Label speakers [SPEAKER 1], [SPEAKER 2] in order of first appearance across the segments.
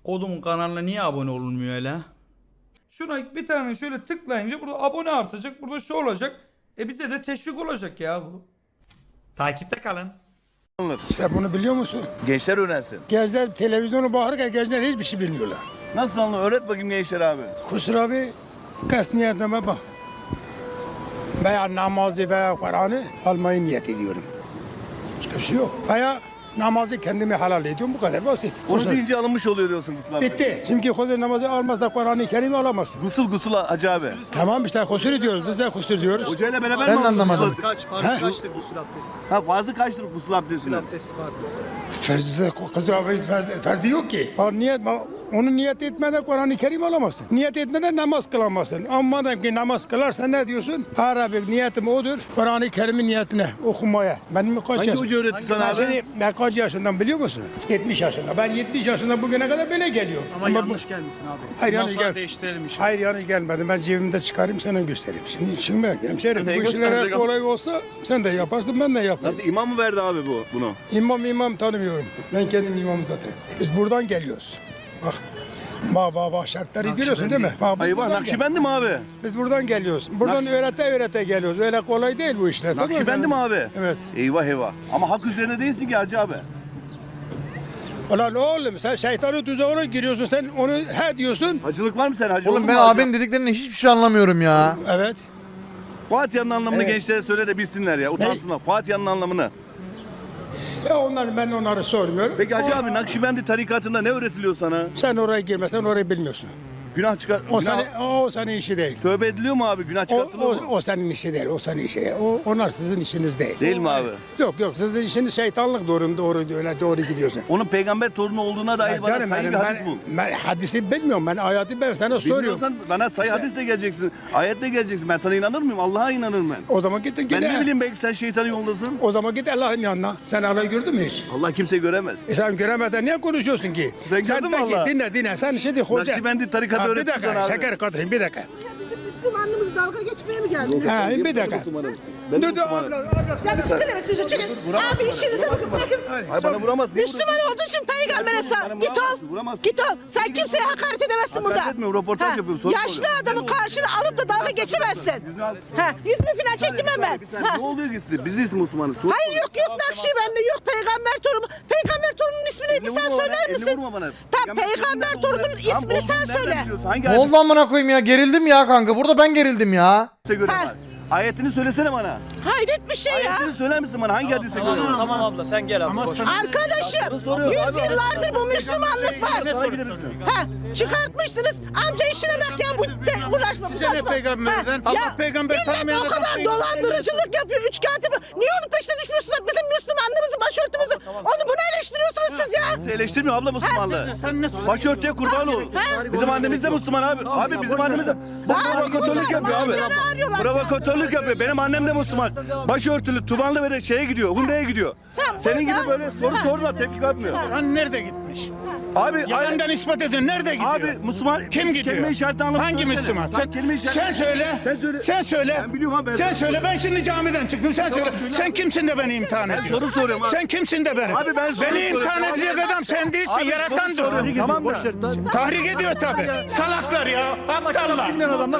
[SPEAKER 1] Kodumun kanalına niye abone olunmuyor öyle? Şuna bir tane şöyle tıklayınca burada abone artacak. Burada şu olacak. Bize de teşvik olacak ya bu. Takipte kalın.
[SPEAKER 2] Sen bunu biliyor musun?
[SPEAKER 3] Gençler öğrensin.
[SPEAKER 2] Gençler televizyonu bakarken gençler hiçbir şey bilmiyorlar.
[SPEAKER 3] Nasıl anladın? Öğret bakayım gençler abi.
[SPEAKER 2] Kusura bir kas niyetime bak. Veya namazı veya Kur'an'ı almayı niyet ediyorum. Başka bir şey yok. Veya namazı kendime helal ediyorum, bu kadar basit.
[SPEAKER 3] Onu deyince alınmış oluyor diyorsun Gusül abi.
[SPEAKER 2] Bitti. Çünkü huzur namazı almazsa Kur'an-ı Kerim'i alamazsın.
[SPEAKER 3] Gusül Hacı abi.
[SPEAKER 2] Tamam işte huzur diyoruz, biz de huzur diyoruz.
[SPEAKER 3] Hocayla beraber
[SPEAKER 4] Ben
[SPEAKER 3] mi
[SPEAKER 4] de
[SPEAKER 3] aldınız
[SPEAKER 4] anlamadım.
[SPEAKER 3] gusül?
[SPEAKER 5] Farz kaçtır gusül abdesti?
[SPEAKER 3] Ha fazla kaçtır gusül abdestinin?
[SPEAKER 5] Abdesti farzı.
[SPEAKER 2] Ferzi yok ki. Onu niyet etmeden Kur'an-ı Kerim alamazsın. Niyet etmeden namaz kılamazsın. Ama madem ki namaz kılarsan ne diyorsun? Arabi niyetim odur. Kur'an-ı Kerim'in niyetine okumaya. Benim kaç
[SPEAKER 3] Hangi
[SPEAKER 2] yaşım?
[SPEAKER 3] hoca öğretti sana abi?
[SPEAKER 2] Şimdi ben kaç yaşından biliyor musun? 70 yaşında. Ben 70 yaşında bugüne kadar böyle geliyorum.
[SPEAKER 5] Ama yanlış gelmişsin abi.
[SPEAKER 2] Hayır,
[SPEAKER 5] Bundan
[SPEAKER 2] yanlış
[SPEAKER 5] sonra
[SPEAKER 2] gel-
[SPEAKER 5] değiştirelim işi.
[SPEAKER 2] Hayır yanlış gelmedi. Ben cebimde çıkarayım sana göstereyim. Şimdi bak hemşerim bu işler kolay olsa sen de yaparsın ben de yaparım.
[SPEAKER 3] Nasıl imam mı verdi abi bunu?
[SPEAKER 2] İmam tanımıyorum. Ben kendim imamım zaten. Biz buradan geliyoruz. Bak şartları görüyorsun değil mi? Bak, biz
[SPEAKER 3] Ayvah
[SPEAKER 2] buradan
[SPEAKER 3] Nakşibendi mi abi?
[SPEAKER 2] Biz buradan geliyoruz. Buradan öğrete geliyoruz. Öyle kolay değil bu işler. tamam mı?
[SPEAKER 3] Nakşibendi mi abi?
[SPEAKER 2] Evet.
[SPEAKER 3] Eyvah. Ama hak üzerine değilsin ki Hacı abi.
[SPEAKER 2] Ulan oğlum sen şeytanın tuzağına giriyorsun. Sen onu he diyorsun.
[SPEAKER 3] Hacılık var mı sen hacı?
[SPEAKER 4] Oğlum ben abinin dediklerinin hiçbir şey anlamıyorum ya.
[SPEAKER 2] Evet.
[SPEAKER 3] Fatiha'nın anlamını
[SPEAKER 2] Evet.
[SPEAKER 3] gençlere söyle de bilsinler ya. Utansınlar. Fatiha'nın anlamını.
[SPEAKER 2] Ben onları sormuyorum.
[SPEAKER 3] Peki Hacı abi Nakşibendi tarikatında ne öğretiliyor sana?
[SPEAKER 2] Sen oraya girmesen orayı bilmiyorsun.
[SPEAKER 3] Günah çıkar.
[SPEAKER 2] O senin işi değil.
[SPEAKER 3] Tövbe ediliyor mu abi? Günah çıkartılıyor mu?
[SPEAKER 2] O senin işi değil. O senin işi değil. Onlar sizin işiniz değil.
[SPEAKER 3] Değil mi abi?
[SPEAKER 2] Yok sizin işiniz şeytanlık doğru gidiyorsun.
[SPEAKER 3] Onun peygamber torunu olduğuna dair
[SPEAKER 2] Ya
[SPEAKER 3] bana
[SPEAKER 2] canım
[SPEAKER 3] sayı bir hadis bul.
[SPEAKER 2] ben hadisi bilmiyorum. Ben ayatı ben sana soruyorum.
[SPEAKER 3] Bilmiyorsan bana sayı hadisle geleceksin. Ayetle geleceksin. Ben sana inanır mıyım? Allah'a inanırım ben.
[SPEAKER 2] O zaman git.
[SPEAKER 3] Ben ne bileyim belki sen şeytanın yolundasın.
[SPEAKER 2] O zaman git Allah'ın yanına. Sen Allah'ı gördün mü hiç?
[SPEAKER 3] Allah kimse göremez.
[SPEAKER 2] Sen göremeden niye konuşuyorsun ki?
[SPEAKER 3] Sen gördün mü
[SPEAKER 2] peki,
[SPEAKER 3] Allah?
[SPEAKER 2] Dinle. Sen şimdi hoca.
[SPEAKER 3] Nakşibendi tarikatı
[SPEAKER 2] Bir
[SPEAKER 3] öğretti
[SPEAKER 2] dakika
[SPEAKER 3] sana abi.
[SPEAKER 2] şeker kardeşim bir dakika.
[SPEAKER 6] Müslümanlığımızı dalga geçmeye mi geldiniz?
[SPEAKER 2] Bir dakika.
[SPEAKER 3] Ben
[SPEAKER 2] Dur
[SPEAKER 3] Müslümanım.
[SPEAKER 6] Ya çıkın hemen siz çıkın. Abi işinize bakın bırakın.
[SPEAKER 3] Hayır bana vuramaz. Niye
[SPEAKER 6] Müslüman olduğu için peygambere sağ.
[SPEAKER 3] Bana
[SPEAKER 6] Git ol.
[SPEAKER 3] vuramazsın.
[SPEAKER 6] Git ol. Sen kimseye hakaret edemezsin burada.
[SPEAKER 3] Hakaret etmiyorum, röportaj yapıyorum, soru
[SPEAKER 6] Yaşlı
[SPEAKER 3] soruyorum.
[SPEAKER 6] adamın karşına alıp da dalga geçemezsin. Yüzümü falan çektim ben.
[SPEAKER 3] Ne oluyor ki size? Biz Müslümanız. Sor-
[SPEAKER 6] Hayır yok Nakşibendi yok peygamber torunu. Peygamber torunun ismini bir
[SPEAKER 3] Elini
[SPEAKER 6] sen
[SPEAKER 3] vurma
[SPEAKER 6] söyler
[SPEAKER 3] bana, elini
[SPEAKER 6] misin?
[SPEAKER 3] vurma bana.
[SPEAKER 6] Tamam peygamber torunun
[SPEAKER 3] Tamam,
[SPEAKER 6] ismini sen
[SPEAKER 3] olduğunu nereden
[SPEAKER 6] söyle.
[SPEAKER 3] biliyorsun? Hangi
[SPEAKER 4] Ne oldu amına koyayım ya? Gerildim ya kanka. Burada ben gerildim ya.
[SPEAKER 3] hadise göre
[SPEAKER 6] Ha.
[SPEAKER 3] var? Ayetini söylesene bana.
[SPEAKER 6] Hayret bir şey ya.
[SPEAKER 3] Ayetini söyler misin bana? Hangi hadise göre var?
[SPEAKER 5] Tamam abla sen gel abla. Boş.
[SPEAKER 6] Arkadaşım
[SPEAKER 3] soruyor.
[SPEAKER 6] 100
[SPEAKER 3] Abi,
[SPEAKER 6] yıllardır bu Müslümanlık var.
[SPEAKER 3] Sana gidebilirsin.
[SPEAKER 6] Çıkartmışsınız. Amca işine bak ya bu uğraşma.
[SPEAKER 2] Size ne peygamberden? Allah peygamber
[SPEAKER 6] millet
[SPEAKER 2] tanımayan
[SPEAKER 6] o
[SPEAKER 2] adam
[SPEAKER 6] kadar
[SPEAKER 2] peygamber
[SPEAKER 6] dolandırıcılık yapıyor. Üç kağıtı. Niye onun peşine düşmüyorsunuz? Bizim Müslümanlığımızı, başörtümüzü. Onu bunu eleştiriyorsunuz siz ya.
[SPEAKER 3] Kimse eleştirmiyor abla Müslümanlığı.
[SPEAKER 2] Sen ne
[SPEAKER 3] Başörtüye kurban ol.
[SPEAKER 6] Ha?
[SPEAKER 3] Bizim annemiz de Müslüman abi. Abi bizim annemiz de. Bu provokatörlük yapıyor abi. Provokatörlük yapıyor. Benim annem de Müslüman. Başörtülü, tubanlı ve şeye gidiyor. Hunde'ye gidiyor. Senin gibi böyle soru sorma tepki yapmıyor.
[SPEAKER 2] Kur'an nerede gitmiş?
[SPEAKER 3] Abi
[SPEAKER 2] Yalandan ispat edin. Nerede gidiyor?
[SPEAKER 3] Abi Müslüman
[SPEAKER 2] Kim gidiyor?
[SPEAKER 3] kelime işareti anlamı
[SPEAKER 2] Hangi
[SPEAKER 3] söylesene.
[SPEAKER 2] Müslüman?
[SPEAKER 3] Sen kelime işareti.
[SPEAKER 2] Sen söyle.
[SPEAKER 3] Sen söyle.
[SPEAKER 2] Sen söyle.
[SPEAKER 3] Ben biliyorum abi, ben-
[SPEAKER 2] Sen söyle. Ben şimdi camiden çıktım. Sen söyle. Sen kimsin de beni imtihan ediyorsun?
[SPEAKER 3] soru soruyorum abi.
[SPEAKER 2] Sen kimsin de beni?
[SPEAKER 3] Abi ben soru
[SPEAKER 2] Beni
[SPEAKER 3] soruyorum.
[SPEAKER 2] imtihan edecek adam sen değilsin.
[SPEAKER 3] Abi
[SPEAKER 2] Yaratan
[SPEAKER 3] soru
[SPEAKER 2] dur.
[SPEAKER 3] soruyorum. Tamam da.
[SPEAKER 2] Tahrik ediyor tabii. Salaklar ya. Aptallar.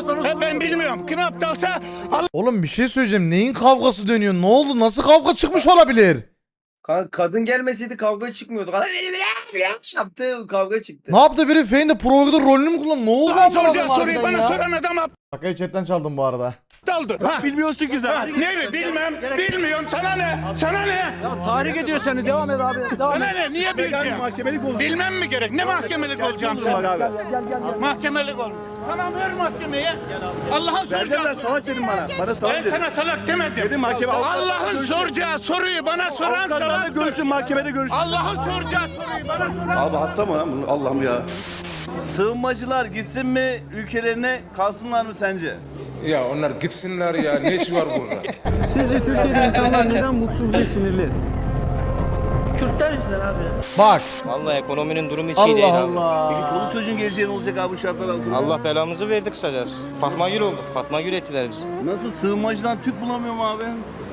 [SPEAKER 2] Ben bilmiyorum. Kim aptalsa
[SPEAKER 4] Oğlum bir şey söyleyeceğim. Neyin kavgası dönüyor? Ne oldu? Nasıl kavga çıkmış olabilir?
[SPEAKER 7] Kadın gelmeseydi kavga çıkmıyordu. Kadın yaptı kavga çıktı.
[SPEAKER 4] Ne yaptı biri? Feyn'de provokatör rolünü mü kullandı? Ne oldu
[SPEAKER 2] Allah
[SPEAKER 4] anlamadım
[SPEAKER 2] soracağı soruyu
[SPEAKER 4] harbiden
[SPEAKER 2] bana
[SPEAKER 4] ya.
[SPEAKER 2] soran adam
[SPEAKER 4] Şakayı chatten çaldım bu arada.
[SPEAKER 2] aptaldır. Ha.
[SPEAKER 3] Bilmiyorsun ki
[SPEAKER 2] Ha,
[SPEAKER 3] sen.
[SPEAKER 2] ne mi? Bilmem. Bilmiyorum. Sana ne? Sana ne?
[SPEAKER 5] Tahrik ediyor seni. Devam et abi. Devam
[SPEAKER 2] Sana
[SPEAKER 5] et.
[SPEAKER 2] ne? Niye bileceğim?
[SPEAKER 3] Mahkemelik olur.
[SPEAKER 2] Bilmem mi gerek? Ne mahkemelik olacağım sen?
[SPEAKER 3] Abi.
[SPEAKER 2] Mahkemelik olmuş. Tamam ver mahkemeye. Allah'ın
[SPEAKER 3] Vereceğim ben
[SPEAKER 2] soracağı
[SPEAKER 3] salak dedim bana. Bana salak
[SPEAKER 2] Ben
[SPEAKER 3] dedim.
[SPEAKER 2] sana salak demedim.
[SPEAKER 3] Dedim mahkeme-
[SPEAKER 2] Allah'ın soracağı soruyu bana soran
[SPEAKER 3] Avukatlarla
[SPEAKER 2] salaktır.
[SPEAKER 3] görüşün mahkemede görüşün.
[SPEAKER 2] Allah'ın soracağı soruyu bana soran.
[SPEAKER 3] Abi hasta mı lan bu? Allah'ım ya. Sığınmacılar gitsin mi ülkelerine kalsınlar mı sence?
[SPEAKER 8] Ya onlar gitsinler ya. Ne işi var burada?
[SPEAKER 5] Sizce Türkiye'de insanlar neden mutsuz ve sinirli?
[SPEAKER 9] Kürtler yüzünden abi.
[SPEAKER 4] Bak.
[SPEAKER 10] Vallahi ekonominin durumu hiç iyi değil
[SPEAKER 4] Allah
[SPEAKER 10] abi.
[SPEAKER 4] Allah.
[SPEAKER 3] Peki çoluk çocuğun geleceği ne olacak abi bu şartlar altında?
[SPEAKER 10] Allah belamızı verdi kısacası. Fatma Gül olduk. Fatma Gül ettiler bizi.
[SPEAKER 3] Nasıl sığınmacıdan Türk bulamıyor mu abi?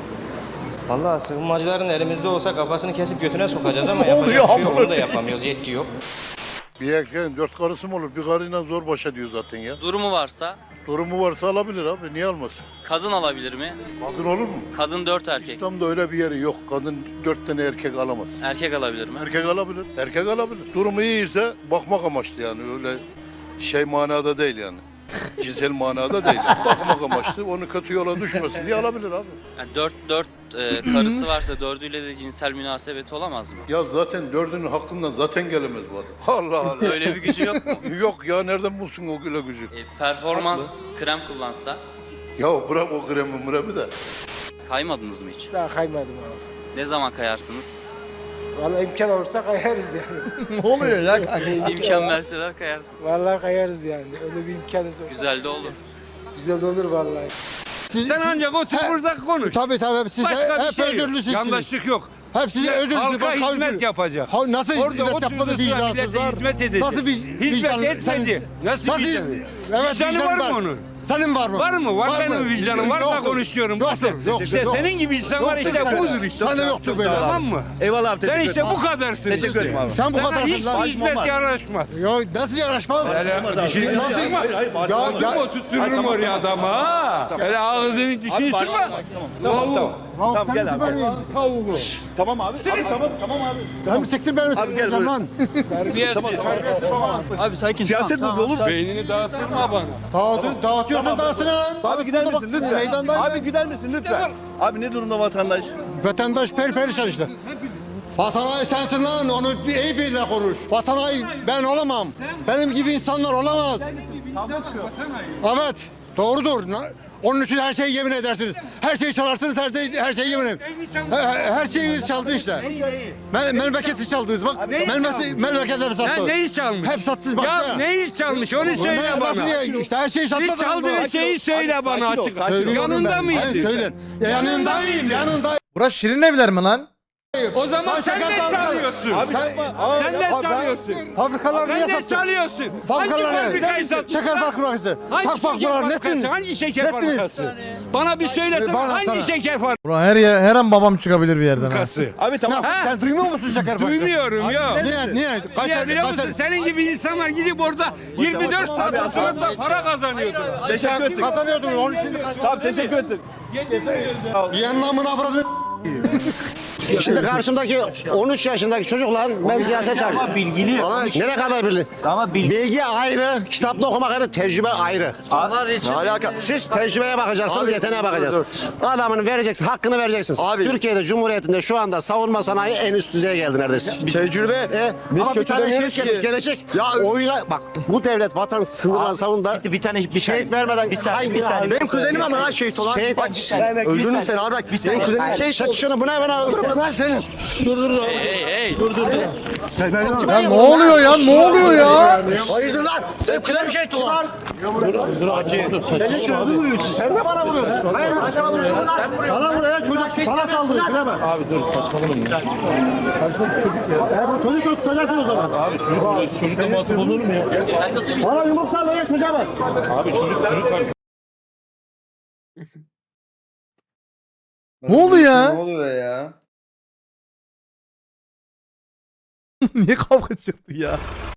[SPEAKER 10] Vallahi sığınmacıların elimizde olsa kafasını kesip götüne sokacağız ama
[SPEAKER 4] Ne oluyor
[SPEAKER 10] yapacak bir şey yok.
[SPEAKER 4] amına
[SPEAKER 10] Onu da yapamıyoruz. Yetki yok.
[SPEAKER 8] Bir erkeğin 4 karısı mı olur? Bir karıyla zor baş ediyor zaten ya.
[SPEAKER 10] Durumu varsa
[SPEAKER 8] Durumu varsa alabilir abi. Niye almasın?
[SPEAKER 10] kadın alabilir mi?
[SPEAKER 8] Kadın olur mu?
[SPEAKER 10] Kadın 4 erkek.
[SPEAKER 8] İslam'da öyle bir yeri yok. Kadın 4 tane erkek alamaz.
[SPEAKER 10] Erkek alabilir mi?
[SPEAKER 8] Erkek alabilir. Erkek alabilir. Durumu iyiyse bakmak amaçlı yani. Öyle şey manada değil yani. Cinsel manada değil. Bakmak amaçlı. Onu kötü yola düşmesin diye alabilir abi.
[SPEAKER 10] Yani 4 karısı varsa 4'üyle de cinsel münasebeti olamaz mı?
[SPEAKER 8] Ya zaten 4'ünün hakkından zaten gelemez bu adam. Allah Allah.
[SPEAKER 10] Öyle bir gücü yok mu?
[SPEAKER 8] Yok ya nereden bulsun o güle gücü?
[SPEAKER 10] Performans krem kullansa
[SPEAKER 8] Ya bırak o kremi mremi de.
[SPEAKER 10] kaymadınız mı hiç?
[SPEAKER 2] Daha kaymadım abi.
[SPEAKER 10] Ne zaman kayarsınız?
[SPEAKER 2] Vallahi imkan olursa kayarız yani.
[SPEAKER 4] Ne oluyor ya kanka?
[SPEAKER 10] İmkan verseler kayarsın.
[SPEAKER 2] Vallahi kayarız yani. Öyle bir imkanımız olsa.
[SPEAKER 10] Güzel de olur.
[SPEAKER 2] Güzel olur vallahi.
[SPEAKER 5] Sen ancak otur burada konuş.
[SPEAKER 2] Tabii siz
[SPEAKER 5] Başka bir
[SPEAKER 2] hep
[SPEAKER 5] şey yok.
[SPEAKER 2] özürlüsünüz.
[SPEAKER 5] Yandaşlık yok.
[SPEAKER 2] Hep size özür
[SPEAKER 5] Halka hizmet yapacak.
[SPEAKER 2] Nasıl
[SPEAKER 5] Orada
[SPEAKER 2] hizmet
[SPEAKER 5] oturduğu
[SPEAKER 2] yapmadı
[SPEAKER 5] sıra millete
[SPEAKER 2] vicdansızlar?
[SPEAKER 5] hizmet edecek.
[SPEAKER 2] Nasıl
[SPEAKER 5] Hizmet etmedi. Nasıl vicdanı?
[SPEAKER 2] Evet,
[SPEAKER 5] Vicdanı var mı onun?
[SPEAKER 2] Senin var mı?
[SPEAKER 5] Var mı? Var benim
[SPEAKER 2] mı?
[SPEAKER 5] vicdanım. Varsa
[SPEAKER 2] Yoktur.
[SPEAKER 5] konuşuyorum.
[SPEAKER 2] Yoktur. Yoktur.
[SPEAKER 5] İşte
[SPEAKER 2] Yok.
[SPEAKER 5] senin gibi insanlar
[SPEAKER 2] Yoktur.
[SPEAKER 5] işte budur işte.
[SPEAKER 2] Sende yoktur böyle.
[SPEAKER 5] Tamam mı?
[SPEAKER 3] Eyvallah abi
[SPEAKER 5] Sen
[SPEAKER 3] teşekkür
[SPEAKER 5] işte
[SPEAKER 3] ederim.
[SPEAKER 5] bu kadarsın.
[SPEAKER 3] Teşekkür ederim abi.
[SPEAKER 2] Sen bu
[SPEAKER 5] Sana
[SPEAKER 2] kadarsın
[SPEAKER 5] hiç
[SPEAKER 2] lan.
[SPEAKER 5] hizmet yaraşmaz.
[SPEAKER 2] Ya nasıl yaraşmaz?
[SPEAKER 5] Bir şey
[SPEAKER 2] Nasıl?
[SPEAKER 5] Ya oturturum oraya adamı ha. Öyle ağzının dişini sıkma.
[SPEAKER 3] Tamam gel abi.
[SPEAKER 5] Tavuğu.
[SPEAKER 3] Tamam abi. Tamam abi.
[SPEAKER 2] Sen mi siktir beni
[SPEAKER 3] Abi gel buyur.
[SPEAKER 2] lan?
[SPEAKER 10] Abi sakin.
[SPEAKER 3] Siyaset mi olur?
[SPEAKER 5] Beynini dağıttırma bana.
[SPEAKER 2] Dağıtıyorsun dağıtsın lan.
[SPEAKER 3] Abi gider misin lütfen?
[SPEAKER 2] Meydandayım.
[SPEAKER 3] Abi gider misin lütfen? Abi ne durumda vatandaş?
[SPEAKER 2] Vatandaş perişan işte. Vatanay sensin lan, onu iyi bir de konuş. Vatanay ben olamam. Benim gibi insanlar olamaz. Evet, doğrudur. Onun için her şeyi yemin edersiniz. Her şeyi çalarsınız, her şeyi yemin ederim. Her şeyi çaldı işte. Memleketi çaldınız bak. Memlekete mi sattınız?
[SPEAKER 5] Neyi çalmış?
[SPEAKER 2] Hep sattınız bak.
[SPEAKER 5] Ya neyi çalmış onu söyle
[SPEAKER 2] Nasıl
[SPEAKER 5] bana.
[SPEAKER 2] ya? İşte her şeyi
[SPEAKER 5] Bir
[SPEAKER 2] sattınız.
[SPEAKER 5] çaldığın şeyi söyle bana açık. Yanında mıydın?
[SPEAKER 2] Söyleyin. Yanındayım, yanındayım.
[SPEAKER 4] Burası Şirin Evler mi lan?
[SPEAKER 5] O zaman sen de çalıyorsun. Sen de çalıyorsun.
[SPEAKER 2] Fabrikalar niye
[SPEAKER 5] Sen de
[SPEAKER 2] sattın?
[SPEAKER 5] çalıyorsun. Hangi
[SPEAKER 2] Fabrikalar
[SPEAKER 5] fabrikayı sattın?
[SPEAKER 2] Şeker fabrikası. Tak fabrikalar nettiniz.
[SPEAKER 5] Hangi şeker
[SPEAKER 2] Nettiniz.
[SPEAKER 5] fabrikası? Bana bir söylesene
[SPEAKER 2] Bana
[SPEAKER 5] hangi
[SPEAKER 2] sana.
[SPEAKER 5] şeker
[SPEAKER 4] Bura her an babam çıkabilir bir yerden ha.
[SPEAKER 5] fabrikası?
[SPEAKER 3] Abi tamam.
[SPEAKER 2] Nasıl? Sen duymuyor musun şeker fabrikası?
[SPEAKER 5] Duymuyorum ya.
[SPEAKER 2] Niye?
[SPEAKER 5] Niye biliyor musun? Senin gibi insanlar gidip orada 24 saat oturup da para kazanıyordu.
[SPEAKER 3] Teşekkür ettik.
[SPEAKER 2] Kazanıyordun onun için.
[SPEAKER 3] Tamam teşekkür ettik.
[SPEAKER 2] Yanına avradını.
[SPEAKER 11] Şimdi karşımdaki 13 yaşındaki çocukların ben siyaset çalışıyorum. Ama bilgili. Nereye kadar bilgi? Ama bilgi ayrı, kitapta okumak ayrı, tecrübe ayrı. Ne alaka? Siz tecrübeye bakacaksınız, yeteneğe bakacaksınız. Adamını vereceksin, hakkını vereceksiniz. Türkiye'de Cumhuriyeti'nde şu anda savunma sanayi en üst düzeye geldi neredeyse.
[SPEAKER 3] Tecrübe.
[SPEAKER 11] Ama bir tane şey gelecek. Ya oyuna bak bu devlet vatan sınırlarını savundu. Bir tane bir şehit vermeden bir saniye. Benim kuzenim ama lan şehit olan. Öldürdün sen Ardak. Benim kuzenim şey şunu buna öldürürüm ben senin.
[SPEAKER 4] Ya ne oluyor ya? Ne oluyor ya?
[SPEAKER 11] Hayırdır lan? Sen kime bir şey tutar? Sen de bana vuruyorsun. Hayır, bana vuruyorsun lan. Bana buraya çocuk bana saldırıyor. Kime bak. Abi dur saçmalama. Bu çocuk tutacaksın o zaman. Abi çocukla masum olur mu ya? Bana yumruk sallaya çocuğa bak. Abi çocuk
[SPEAKER 4] Ne oldu ya?
[SPEAKER 7] Ne oluyor ya?
[SPEAKER 4] Niye kavga çıktı ya?